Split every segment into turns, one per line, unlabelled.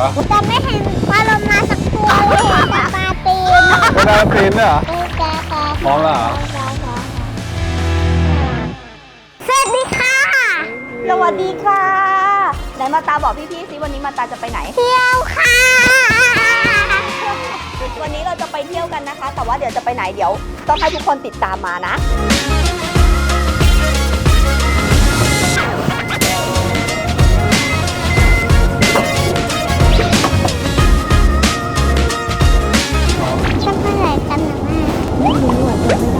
แต่ไม่เห็นปลาโลมาสักตัวเลยเห็นแต่ปลาตีน
เป็นอะไรตีนเนี่ยเหรอ
ปลา
พร้อมแล้วเหรอ
สวัสดีค่ะ
สวัสดีค่ะไหนมาตาบอกพี่ๆสิวันนี้มาตาจะไปไหน
เที่ยวค่ะ
วันนี้เราจะไปเที่ยวกันนะคะ แต่ว่าเดี๋ยวจะไปไหนเดี๋ยวต้องให้ทุกคนติดตามมานะ
จะไปไหนกันนะแม่
ไม่รู้อ่ะจำไม่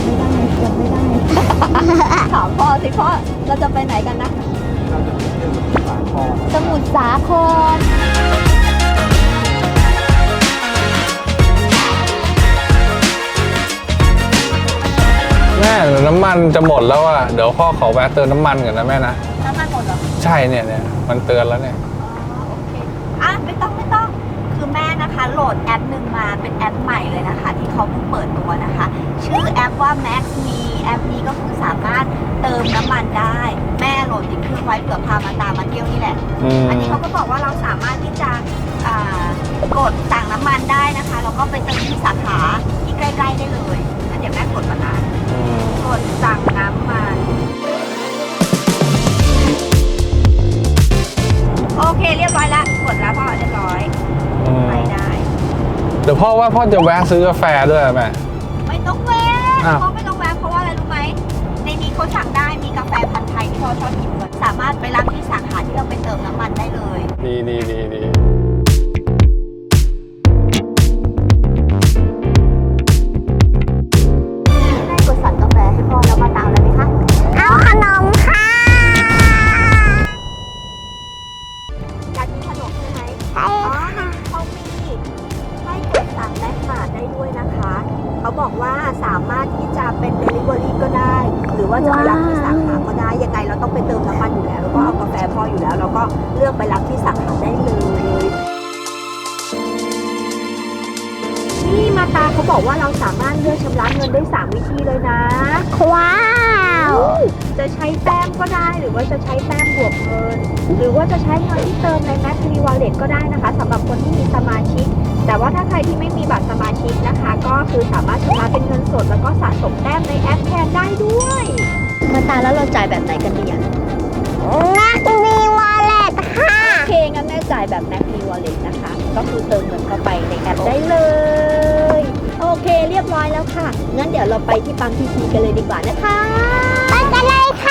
ได้ถามพ่อสิพ่อเราจะไปไหนกันนะสมุทรสาคร
แม่เดี๋ยวน้ำมันจะหมดแล้วอ่ะเดี๋ยวพ่อขอแวะเติมน้ำมันก่อนนะแม่นะ
น้ำมันหมดเหรอ
ใช่เนี่ยมันเตือนแล้วเนี่ย
โอเคไม่ต้องคือแม่นะคะโหลดแอปหนึ่งมาเป็นแอปใหม่เลยนะคะ ที่เขาเพิ่งเปิดตัวนะคะ ชื่อแอปว่า Max Me แอปนี้ก็คือสามารถเติมน้ำมันได้แม่โหลดติดเครื่องไว้เผื่อพามาตามมาเที่ยวนี่แหละ อันนี้เขาก็บอกว่าเราสามารถที่จะกดสั่งน้ำมันได้นะคะแล้วก็ไปเติมที่สาขาที่ใกล้ๆได้เลยงั้นเดี๋ยวแม่กดมานะกดสั่งน้ำมันโอเคเรียบร้อยแล้วกดแล้วพ่อเรียบร้อยไปได้
เดี๋ยวพ่อว่าพ่อจะแวะซื้อกาแฟด้วยแม่
ไม่ต้องแวะ
อ้าว
พ่อไม่ต้องแวะเพราะว่าอะไรรู้ไหมในนี้เขาสั่งได้มีกาแฟพันธุ์ไทยที่พ่อชอบกินด้วยสามารถไปรับที่สาขาที่เราไปเติมน้ำมันได้เลย
ดี
ได้กดสั่งกาแฟให้พ่อแล้วมาตามเลยไหมคะ
เอาขนมค่ะ
อยากกินขนมใช่ไหม
ใช่ค่ะ
เขามีให้กดสั่งแลกขาดได้ด้วยนะคะ เขาบอกว่าสามารถที่จะเป็น Delivery ก็ได้ หรือว่าจะไปรับที่สาขาก็ได้ ยังไงเราต้องไปเติมน้ำมันอยู่แล้ว แล้วก็เอากาแฟพออยู่แล้ว เราก็เลือกไปรับที่สาขาได้เลย นี่มาตาเขาบอกว่าเราสามารถเลือกชำระเงินได้3วิธีเลยนะ
ว้าว
จะใช้แต้มก็ได้ หรือว่าจะใช้แต้มบวกเงิน หรือว่าจะใช้เงินที่เติมใน Max Me Wallet ก็ได้นะคะสำหรับคนที่มีสมาชิก แต่ว่าถ้าใครที่ไม่มีบัตรสมาชิกนะคะ ก็คือสามารถชำระเป็นเงินสดแล้วก็สะสมแต้มในแอปแทนได้ด้วยมาตาแล้วเราจ่ายแบบไหนกันดีอ่ะ
นักมีวอลเล็ตค่ะ
โอเคงั้นแม่จ่ายแบบ Max Me Wallet นะคะ ก็คือเติมเงินเข้าไปในแอปได้เลย โอเคเรียบร้อยแล้วค่ะงั้นเดี๋ยวเราไปที่ปั๊มพีทีกันเลยดีกว่านะคะ
ไปกันเลยค่ะ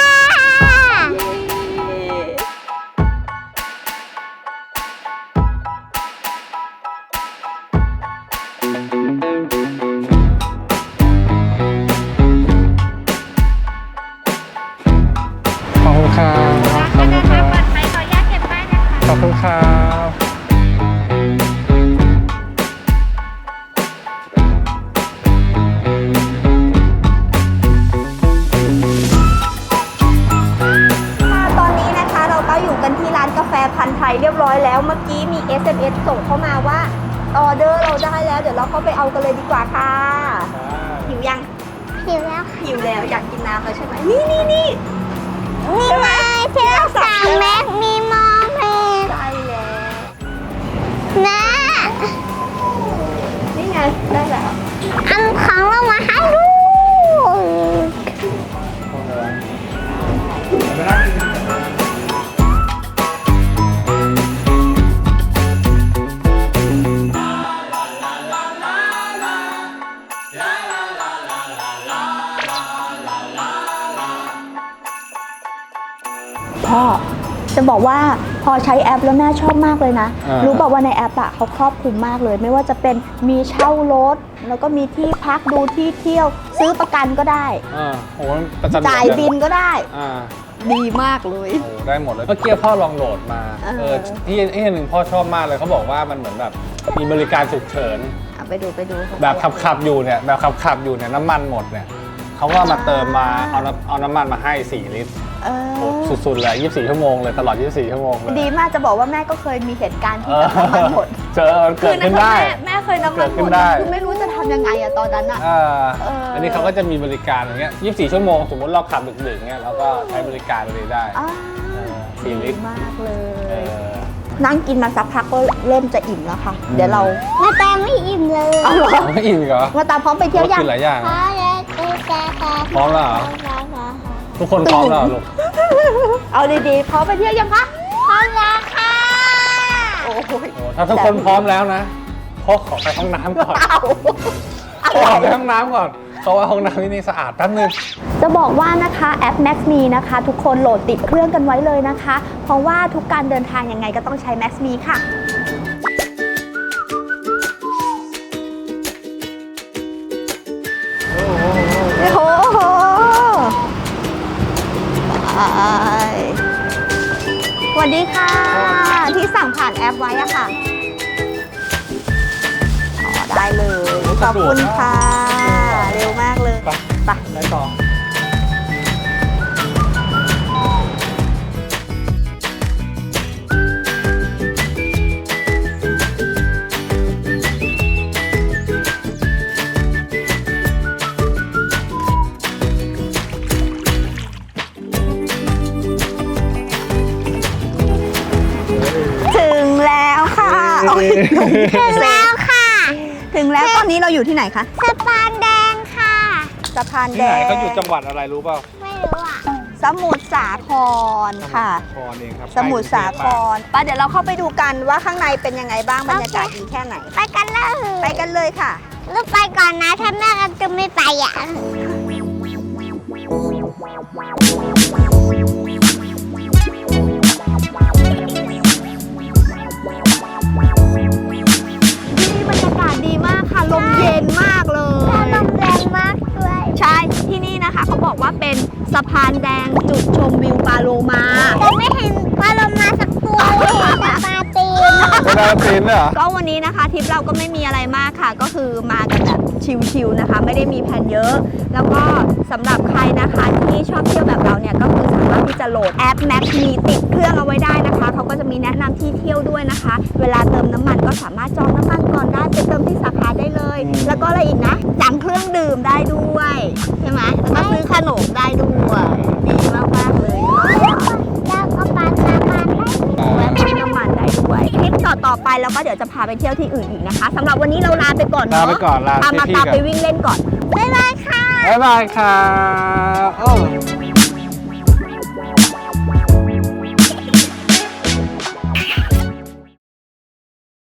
ขอบคุณครับขอบคุณครับขอบคุณครับ
ตอนนี้นะคะเราก็อยู่กันที่ร้านกาแฟพันธุ์ไทยเรียบร้อยแล้วเมื่อกี้มี SMS ส่งเข้ามาว่าออเดอร์เราได้แล้วเดี๋ยวเราเข้าไปเอากันเลยดีกว่าค่ะหิวยัง
หิวแล้วค่ะ
หิวแล้วอยากกินน้ำแล้วใช่ไหมนี่
นี่เลยที่เราสั่งแม็กมีมอลเพลน
ได้แล้ว
นะ
นี่ไงได้แล้ว
อันของเรามาให้ดู
พ่อจะบอกว่าพอใช้แอปแล้วแม่ชอบมากเลยนะ รู้บอกว่าในแอปอ่ะเขาครอบคลุมมากเลย ไม่ว่าจะเป็นมีเช่ารถแล้วก็มีที่พักดูที่เที่ยวซื้อประกันก็ได้
โอ้โหประจัน
จ่ายบินก็ได้
อ่า
ดีมากเลย
โอ้ได้หมดเลยเมื่อกี้พ่อลองโหลดมา ที่หนึ่งพ่อชอบมากเลยเขาบอกว่ามันเหมือนแบบมีบริการฉุกเฉิน
เอาไปดู
แบบขับอยู่เนี่ยน้ำมันหมดเนี่ยเขาก็มาเติมมาเอาน้ำมันมาให้4 ลิตร โอ้สุดๆเลย24 ชั่วโมงเลยตลอด24 ชั่วโมงเลย
ดีมากจะบอกว่าแม่ก็เคยมีเหตุการณ์ที่แบบน้ำมันหมด
เจอเกิดขึ้นได้
แม่เคยน้ำมันหม
เกิดขึ้
ด
นได้
คือไม่รู้จะทำยังไงอะตอนนั้นอะ
อันนี้เขาก็จะมีบริการอย่างเงี้ย24 ชั่วโมงสมมติเราขับดึกๆเงี้ยเราก็ใช้บริการเลยได้ 4 ลิตร
มากเล
เอย อ
นั่งกินมาสักพักก็เริ่มจะอิ่มแล้วค่ะ เดี๋ยวเรา
มาตามไม่อิ่มเลย
เอาเหรอ
ไม่อิ่มอีกเหรอ
มาตามพร้อมไปเที่ยวยัง
กินหลายอย่าง
พอ
อะ
แล้วกูจะค่ะ
พร้อมแล้วเหรอ ทุกคนพร้อมแล้วเหรอลูก
เอาดีๆพร้อมไปเที่ยวยังคะ
พร้อมแล้วค่ะ
โอ้โห
โอ้ถ้าทุกคนพร้อมแล้วนะพ่อขอไปห้องน้ำก่อน ขอไปห้องน้ำก่อนเพราะว่าห้องน้ำที่นี่สะอาดแป๊บนึง
จะบอกว่านะคะแอป MaxMe นะคะ ทุกคนโหลดติดเครื่องกันไว้เลยนะคะ เพราะว่าทุกการเดินทางยังไงก็ต้องใช้ MaxMe ค่ะ โอ้โหสวัสดีค่ะ ที่สั่งผ่านแอปไว้อะค่ะ อ๋อ ได้เลย ขอบคุณค่ะ เร็วมากเลย
ไป
ไป
ไปต่อ
ถึงแล้วค่ะโอ้ย
ถึงแล้วค่ะ
ถึงแล้วตอนนี้เราอยู่ที่ไหนคะ
สะพานแดงค่ะ
สะพาน
ที่
แด
ไหน
ง
เขาอยู่จังหวัดอะไรรู้เปล่า
ไม่รู้อ่ะ
สมุทรสาครค่ะ
พรเองครับ
สมุทรสาครไปเดี๋ยวเราเข้าไปดูกันว่าข้างในเป็นยังไงบ้างบรรยากาศดีแค่ไหน
ไปกันเลย
ไปกันเลยค่ะ
ลูกไปก่อนนะถ้าแม่กันจะไม่ไปอ่ะ
ที่บรรยากาศดีมากค่ะ ลมเย็นมากเลย
ถ้าลมแรงมากด้วย
ใช่ ที่นี่นะคะเขาบอกว่าเป็นสะพานแดงจุดชมวิวปาโลมา
แต่ไม่เห็นปลาโลมาสักตัวเลยเห็นแต่ปลาตีน
ไม่ได้ตีนด้วยเหรอ
ก็วันนี้นะคะทริปเราก็ไม่มีอะไรมากค่ะ ก็คือมากันแบบชิลๆนะคะ ไม่ได้มีแผนเยอะ แล้วก็สำหรับใครนะคะที่ชอบเที่ยวแบบเราเนี่ยก็คือสามารถที่จะโหลดแอป MaxMe ติดเครื่องเอาไว้ได้นะคะเขาก็จะมีแนะนำที่เที่ยวด้วยนะคะ เวลาเติมน้ำมันก็สามารถจองน้ำมันก่อนได้ไปเติมที่สาขาได้เลย แล้วก็อะไรอีกนะสั่งเครื่องดื่มได้ด้วยใช่ไหมแล้วก็ซื้อขนมได้ด้วยดีมากๆเลย
แล้วก็ปลาน้ำมันได้
แวะซื้อน้ำมันได้ด้วยคลิปต่อๆไปแล้วก็เดี๋ยวจะพาไปเที่ยวที่อื่นอีกนะคะสำหรับวันนี้เราลาไปก่อน
ลา
เนาะ
ไปก่อนลา
มา
พี่ๆ
ตาม
กั
ไป
น
วิ่งเล่นก่อน
บ๊ายบายค่ะ
บ๊ายบายครับ